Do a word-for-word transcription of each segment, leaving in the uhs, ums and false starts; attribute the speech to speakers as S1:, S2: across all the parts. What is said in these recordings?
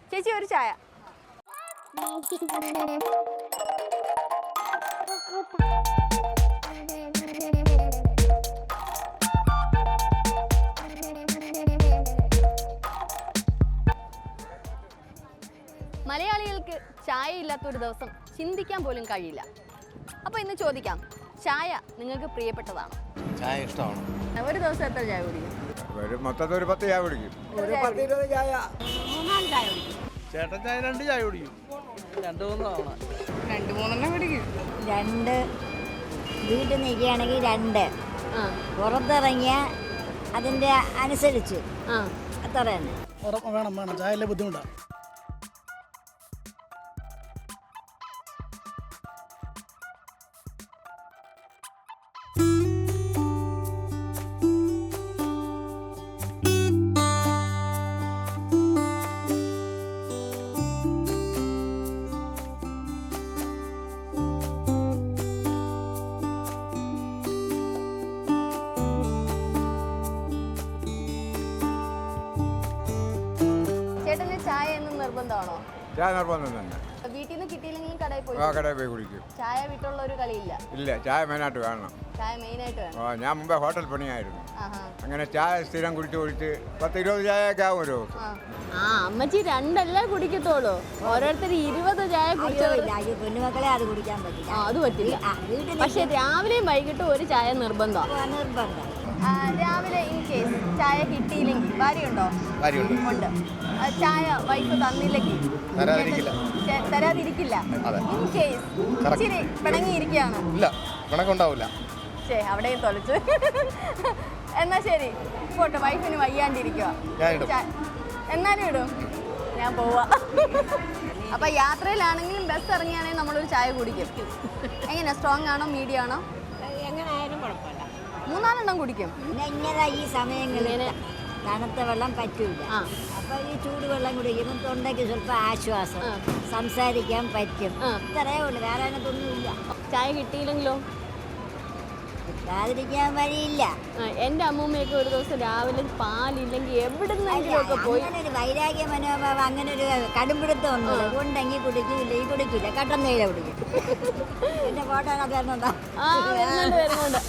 S1: ചേച്ചി ഒരു ചായ. മലയാളികൾക്ക് ചായ ഇല്ലാത്തൊരു ദിവസം ചിന്തിക്കാൻ പോലും കഴിയില്ല. അപ്പോൾ ഇന്ന് ചോദിക്കാം, ചായ നിങ്ങൾക്ക് പ്രിയപ്പെട്ടതാണോ?
S2: ചായ ഇഷ്ടമാണ്.
S1: ഒരു ദിവസം എത്ര ചായ കുടിക്കും?
S3: ഒരു മൊത്തത്തിൽ ഒരു പത്ത് ചായ കുടിക്കും.
S4: ഒരു പത്ത് ഇരുപത് ചായ.
S1: മൂന്നാല് ചായ കുടിക്കും.
S2: ചേട്ടൻ ചായ രണ്ട് ചായ കുടിക്കും. രണ്ട് മൂന്ന് തവണ.
S1: രണ്ട് മൂന്നെണ്ണം കുടിക്കും.
S5: രണ്ട് വീട്ടിൽ നിൽക്കുകയാണെങ്കിൽ രണ്ട്, പുറത്തിറങ്ങിയ അതിൻ്റെ അനുസരിച്ച് അത്ര തന്നെ
S4: വേണം വേണം ചായയിലെ ബുദ്ധിമുട്ടാണ്.
S1: ചേട്ടന് ചായ എന്ന് നിർബന്ധമാണോ?
S3: ചായ നിർബന്ധം തന്നെ.
S1: വീട്ടിൽ നിന്ന് കിട്ടിയില്ലെങ്കിലും കടയിൽ പോയി
S3: ആ കടയിൽ പോയി കുടിക്കും.
S1: ചായ വിട്ടുള്ള ഒരു കളിയില്ല.
S3: ഇല്ല, ചായ മെയിനായിട്ട് വേണം.
S1: ചായ മെയിനായിട്ട് വേണം.
S3: ആ, ഞാൻ മുമ്പേ ഹോട്ടൽ പണിയായിരുന്നു.
S1: ആഹാ.
S3: അങ്ങനെ ചായ സ്ഥിരം കുടിച്ച് കുടിച്ച് പത്ത് ഇരുപത് ചായയൊക്കെ ആവും ഒരു ദിവസം.
S1: ആ അമ്മച്ചി രണ്ടല്ലേ കുടിക്കത്തോളൂ, ഓരോരുത്തർ ഇരുപത് ചായ കുടിച്ചവർ.
S5: കുഞ്ഞുമക്കളെ അത് കുടിക്കാൻ പറ്റില്ല.
S1: ആ അത് പറ്റില്ല. പക്ഷെ രാവിലെയും വൈകിട്ടും ഒരു ചായ നിർബന്ധമാണ്.
S5: നിർബന്ധം.
S1: രാവിലെ ഇൻ കേസ് ചായ കിട്ടിയില്ലെങ്കിൽ ഭാര്യയുണ്ടോ?
S2: ഭാര്യയുണ്ട്.
S1: ഉണ്ട്. ആ, ചായ വൈഫ് തന്നില്ലെങ്കിൽ
S2: തരാതിരിക്കില്ല.
S1: ചേ- തരാതിരിക്കില്ല.
S2: അതെ.
S1: ഇൻ കേസ് ഇച്ചിരി പിണങ്ങിയിരിക്കുകയാണ്.
S2: ഇല്ല, കണക്കുണ്ടാവില്ല.
S1: ശരി, അവിടെയും തൊലച്ചു. എന്നാ ശരി, പോട്ടെ, വൈഫിന് വയ്യാണ്ടിരിക്കുക.
S2: ഞാൻ ഇടും.
S1: എന്നാലും ഇടും. ഞാൻ പോവാ. അപ്പൊ യാത്രയിലാണെങ്കിലും ബസ് ഇറങ്ങിയാണെങ്കിൽ നമ്മളൊരു ചായ കുടിക്കും. എങ്ങനെയാ, സ്ട്രോങ് ആണോ മീഡിയം ആണോ?
S5: എങ്ങനെയായാലും കുഴപ്പമില്ല.
S1: മൂന്നാലെണ്ണം കുടിക്കും.
S5: പിന്നെ ഇങ്ങനെ ഈ സമയങ്ങളിൽ തണുത്ത വെള്ളം പറ്റൂല.
S1: ആ.
S5: അപ്പൊ ഈ ചൂടുവെള്ളം കുടിക്കുമ്പോൾ തൊണ്ടയ്ക്ക് സ്വല്പം ആശ്വാസം, സംസാരിക്കാൻ പറ്റും. ഇത്രയേ ഉള്ളൂ, വേറെ അതിനകത്തൊന്നുമില്ല.
S1: ചായ കിട്ടിയില്ലെങ്കിലോ?
S5: കിട്ടാതിരിക്കാൻ വഴിയില്ല.
S1: എന്റെ അമ്മൂമ്മയൊക്കെ ഒരു ദിവസം രാവിലെ പാലില്ലെങ്കിൽ എവിടുന്നെങ്കിലും ഒക്കെ പോയി.
S5: അങ്ങനെ ഒരു വൈരാഗ്യ മനോഭാവം, അങ്ങനെ ഒരു കടുംപിടുത്തം ഒന്നുമില്ല. ഉണ്ടെങ്കിൽ കുടിക്കില്ല, ഈ കുടിക്കില്ല, കട്ടൻ തേയില കുടിക്കും. എന്റെ ഫോട്ടോ അത് വരുന്നുണ്ടോ?
S1: ആ വരുന്നുണ്ട് വരുന്നുണ്ട്.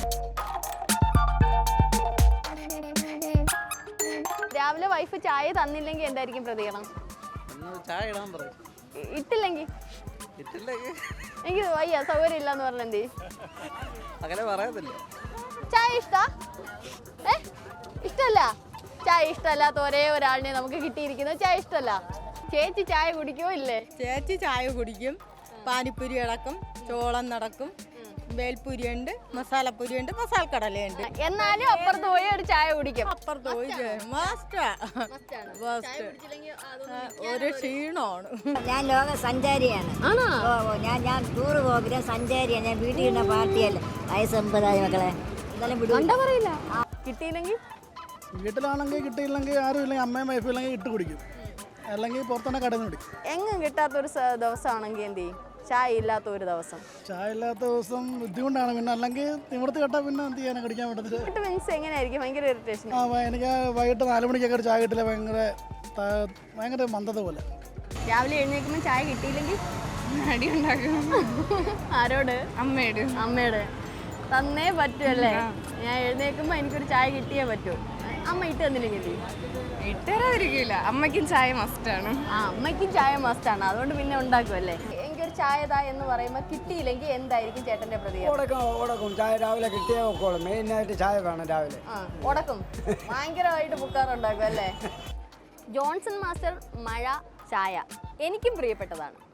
S1: രാവിലെ വൈഫ് ചായ തന്നില്ലെങ്കിൽ എന്തായിരിക്കും പ്രതികരണം?
S2: ചായ ഇടാൻ പറയും.
S1: ഇ- ഇട്ടില്ലെങ്കിൽ
S2: ഇട്ടില്ലെങ്കിൽ
S1: എനിക്ക് വയ്യ, സൗകര്യം ഇല്ലാന്ന് പറഞ്ഞ എന്ത് ചെയ്യും?
S2: അങ്ങനെ പറയത്തില്ല.
S1: ചായ ഇഷ്ടാ? ഏ ഇഷ്ടല്ല? ചായ ഇഷ്ടമല്ലാത്ത ഒരേ ഒരാളിനെ നമുക്ക് കിട്ടിയിരിക്കുന്നത് ചായ ഇഷ്ടമല്ല. ചേച്ചി ചായ കുടിക്കുമോ ഇല്ലേ?
S6: ചേച്ചി ചായ കുടിക്കും. പാനിപ്പൂരി അടക്കും, ചോളം നടക്കും, വേൽപ്പൂരിയുണ്ട്, മസാലപ്പൂരിയുണ്ട്, മസാലക്കടലയുണ്ട്.
S1: എന്നാലും അപ്പുറത്ത് പോയി ഒരു ചായ കുടിക്കും.
S6: അപ്പുറത്ത് പോയി മസ്റ്റാ മസ്റ്റ്. ഒരു ക്ഷീണമാണ്.
S5: ഞാൻ ലോക സഞ്ചാരിയാണ്.
S1: ആണോ?
S5: ഓ ഓ ഞാൻ ഞാൻ ടൂറ് പോകുന്ന സഞ്ചാരിയാണ്. ഞാൻ വീട്ടിൽ ഇരുന്ന പാർട്ടിയല്ല. വയസ്സ് എൺപതായി മക്കളെ. എന്തായാലും വിടും.
S1: എന്താ പറയില്ല. കിട്ടിയില്ലെങ്കിൽ
S4: വീട്ടിലാണെങ്കിൽ കിട്ടിയില്ലെങ്കിൽ ആരും ഇല്ലെങ്കിൽ അമ്മയും വൈഫും ഇല്ലെങ്കിൽ ഇട്ട് കുടിക്കും, അല്ലെങ്കിൽ പുറത്തന്നെ കടന്ന് കുടിക്കും.
S1: എങ്ങും കിട്ടാത്തൊരു സ- ദിവസമാണെങ്കിൽ എന്ത് ചെയ്യും? ചായ ഇല്ലാത്ത ഒരു ദിവസം.
S4: ചായ ഇല്ലാത്ത ദിവസം ബുദ്ധിമുട്ടാണ്. പിന്നെ അല്ലെങ്കിൽ നിവർത്തി കേട്ടാൽ പിന്നെ എന്ത് ചെയ്യാനാണ്, കടിക്കാൻ പറ്റത്തില്ല.
S1: എന്നിട്ട് മീൻസ് എങ്ങനെയായിരിക്കും? ഭയങ്കര ഇറിറ്റേഷൻ.
S4: ആ വ- എനിക്ക് വൈകിട്ട് നാല് മണിക്കൊക്കെ ഒരു ചായ കിട്ടില്ല, ഭയങ്കര ത- ഭയങ്കര മന്ദത പോലെ.
S1: രാവിലെ എഴുന്നേൽക്കുമ്പോൾ ചായ കിട്ടിയില്ലെങ്കിൽ
S6: അടി ഉണ്ടാക്കും.
S1: ആരോട്?
S6: അമ്മയോട്.
S1: അമ്മയോട് തന്നേ പറ്റുമല്ലേ? ഞാൻ എഴുന്നേൽക്കുമ്പോൾ എനിക്കൊരു ചായ കിട്ടിയേ പറ്റൂ. അമ്മ ഇട്ട് തന്നില്ലെങ്കിൽ എന്ത് ചെയ്യും?
S6: ഇട്ടരാതിരിക്കില്ല, അമ്മയ്ക്കും ചായ മസ്റ്റാണ്.
S1: ആ അമ്മയ്ക്കും ചായ മസ്റ്റാണ്, അതുകൊണ്ട് പിന്നെ ഉണ്ടാക്കുമല്ലേ. എനിക്കൊരു ചായ താ എന്ന് പറയുമ്പോൾ കിട്ടിയില്ലെങ്കിൽ എന്തായിരിക്കും ചേട്ടന്റെ പ്രതികരണം?
S4: ഉടക്കും ഉടക്കും ചായ രാവിലെ കിട്ടിയേ വെക്കോളും. മെയിനായിട്ട് ചായ വേണം രാവിലെ.
S1: ആ ഉടക്കും, ഭയങ്കരമായിട്ട് പുക്കാറുണ്ടാക്കും അല്ലേ. ജോൺസൺ മാസ്റ്റർ മഴ ചായ എനിക്കും പ്രിയപ്പെട്ടതാണ്.